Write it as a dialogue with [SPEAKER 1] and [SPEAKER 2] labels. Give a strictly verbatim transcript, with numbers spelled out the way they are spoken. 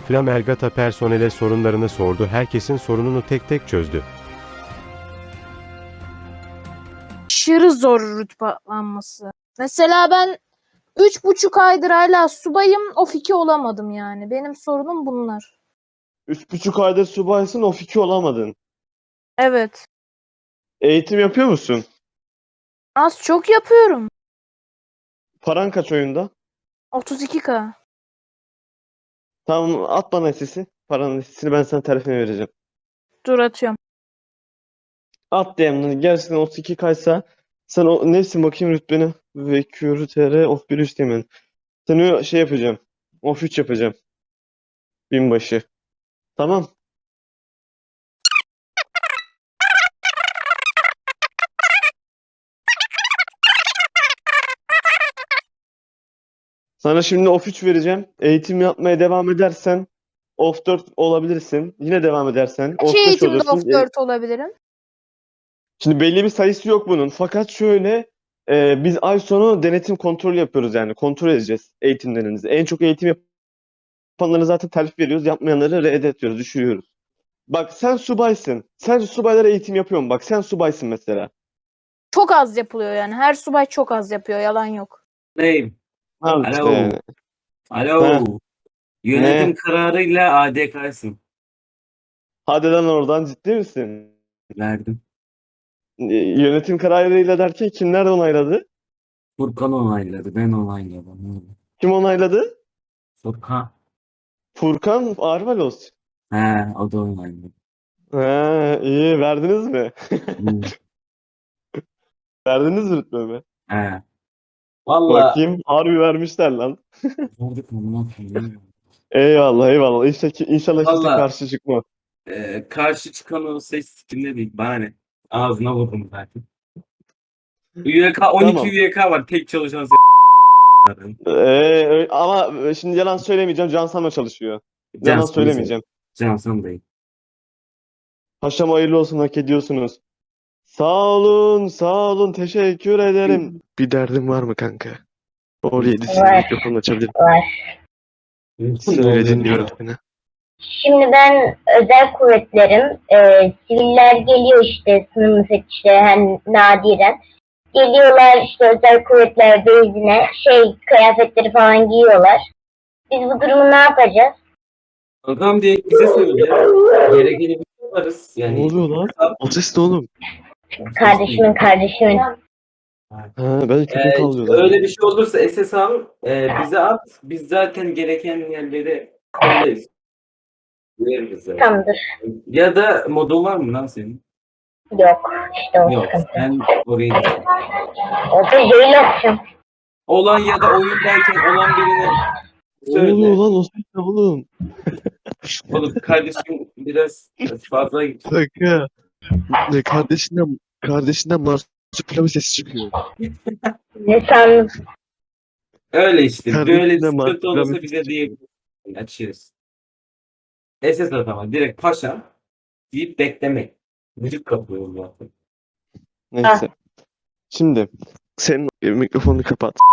[SPEAKER 1] Flamelgata personele sorunlarını sordu, herkesin sorununu tek tek çözdü.
[SPEAKER 2] Aşırı zor rütbe atlanması. Mesela ben üç buçuk aydır hala subayım, of iki olamadım yani. Benim sorunum bunlar.
[SPEAKER 3] Üç buçuk aydır subaysın, of iki olamadın.
[SPEAKER 2] Evet.
[SPEAKER 3] Eğitim yapıyor musun?
[SPEAKER 2] Az çok yapıyorum.
[SPEAKER 3] Paran kaç oyunda?
[SPEAKER 2] otuz iki K.
[SPEAKER 3] Tamam, at bana sesi. Paranın sesini ben sana tarifini vereceğim.
[SPEAKER 2] Dur atıyorum.
[SPEAKER 3] At D M'den gerçekten otuz iki kaysa sen o neysin bakayım rütbeni ve Q R T of bir üsteğmen. Seni şey yapacağım. Of üç yapacağım. Binbaşı. Tamam. Sana şimdi of üç vereceğim. Eğitim yapmaya devam edersen of dört olabilirsin. Yine devam edersen
[SPEAKER 2] Kaç
[SPEAKER 3] of beş
[SPEAKER 2] eğitimde
[SPEAKER 3] olursun.
[SPEAKER 2] of dört olabilirim?
[SPEAKER 3] Şimdi belli bir sayısı yok bunun. Fakat şöyle e, biz ay sonu denetim kontrolü yapıyoruz yani. Kontrol edeceğiz eğitimlerinizi. En çok eğitim yapanlara zaten terfi veriyoruz. Yapmayanları reddediyoruz, düşürüyoruz. Bak sen subaysın. Sen subaylara eğitim yapıyorsun. Bak sen subaysın mesela.
[SPEAKER 2] Çok az yapılıyor yani. Her subay çok az yapıyor. Yalan yok.
[SPEAKER 4] Neyim?
[SPEAKER 3] Al işte
[SPEAKER 4] Alo.
[SPEAKER 3] yani.
[SPEAKER 4] Alo.
[SPEAKER 3] Ha,
[SPEAKER 4] Yönetim
[SPEAKER 3] ne?
[SPEAKER 4] kararıyla A D K'sın.
[SPEAKER 3] Hadi lan oradan ciddi misin?
[SPEAKER 4] Verdim.
[SPEAKER 3] E, Yönetim kararıyla derken kimler onayladı?
[SPEAKER 4] Furkan onayladı. Ben onayladım.
[SPEAKER 3] Kim onayladı?
[SPEAKER 4] Furkan.
[SPEAKER 3] Furkan Arvalos.
[SPEAKER 4] He, o da onayladı.
[SPEAKER 3] Ha, iyi verdiniz mi?
[SPEAKER 4] Hmm.
[SPEAKER 3] Verdiniz mi rütbemi?
[SPEAKER 4] He. Valla.
[SPEAKER 3] Bakayım harbi vermişler lan.
[SPEAKER 4] Vurduk mu? Ne yapayım?
[SPEAKER 3] Eyvallah eyvallah. İnşallah, inşallah kimse
[SPEAKER 4] Valla.
[SPEAKER 3] karşı çıkma.
[SPEAKER 4] E, karşı çıkan olsa hiç sikimde değil. Bana ne? Ağzına vurdum zaten. Y K, on iki
[SPEAKER 3] Tamam.
[SPEAKER 4] Y K var. Tek çalışan s***.
[SPEAKER 3] Ee, ama şimdi yalan söylemeyeceğim. Cansan'la çalışıyor. Yalan
[SPEAKER 4] Cansın bize.
[SPEAKER 3] söylemeyeceğim.
[SPEAKER 4] Cansın değil.
[SPEAKER 3] Paşam hayırlı olsun, hak ediyorsunuz. Sağ olun, sağ olun. Teşekkür ederim. Bir derdin var mı kanka? Oraya yedisini
[SPEAKER 5] Var.
[SPEAKER 3] mikrofonu açabilirim.
[SPEAKER 5] Var.
[SPEAKER 3] Söyle, dinliyorum seni.
[SPEAKER 5] Şimdi ben özel kuvvetlerim, e, siviller geliyor işte sınır müfettişleri hani nadiren. Geliyorlar işte özel kuvvetler bezine şey kıyafetleri falan giyiyorlar. Biz bu durumu ne yapacağız?
[SPEAKER 4] Kankam diye bize söyle. Gerekeni biz yaparız.
[SPEAKER 3] Ne
[SPEAKER 4] Yani
[SPEAKER 3] oluyor lan? O ses ne oğlum?
[SPEAKER 5] Kardeşimin kardeşimin.
[SPEAKER 3] Ha, ben köpek
[SPEAKER 4] Ee,
[SPEAKER 3] avlıyor
[SPEAKER 4] öyle
[SPEAKER 3] lan.
[SPEAKER 4] bir şey olursa S S al, e, bize at. Biz zaten gereken yerleri söyleriz. Veririz zaten.
[SPEAKER 5] Tamamdır.
[SPEAKER 4] Ya da modun var mı lan senin?
[SPEAKER 5] Yok işte o
[SPEAKER 4] Yok.
[SPEAKER 5] sıkıntı.
[SPEAKER 4] Ben orayı düşün.
[SPEAKER 5] O da jail atacağım.
[SPEAKER 4] Olan ya da oyundayken olan birine
[SPEAKER 3] Ne oluyor
[SPEAKER 4] söyle.
[SPEAKER 3] lan? O ses ne oğlum?
[SPEAKER 4] Oğlum kardeşim biraz fazla gitti.
[SPEAKER 3] Kanka. Ne kardeşinden kardeşinden marsupilami sesi çıkıyor.
[SPEAKER 5] Ne sandın?
[SPEAKER 4] Öyle işte. Böyle bir
[SPEAKER 3] Kardeşinden
[SPEAKER 4] sıkıntı
[SPEAKER 3] marsupilami
[SPEAKER 4] olursa
[SPEAKER 3] sesi
[SPEAKER 4] bize
[SPEAKER 3] çıkıyor.
[SPEAKER 4] diyebilirsin. Açıyoruz. S S at ama direkt paşa deyip beklemek. Müzik kapıyorum zaten.
[SPEAKER 3] Neyse. Şimdi senin mikrofonunu kapat.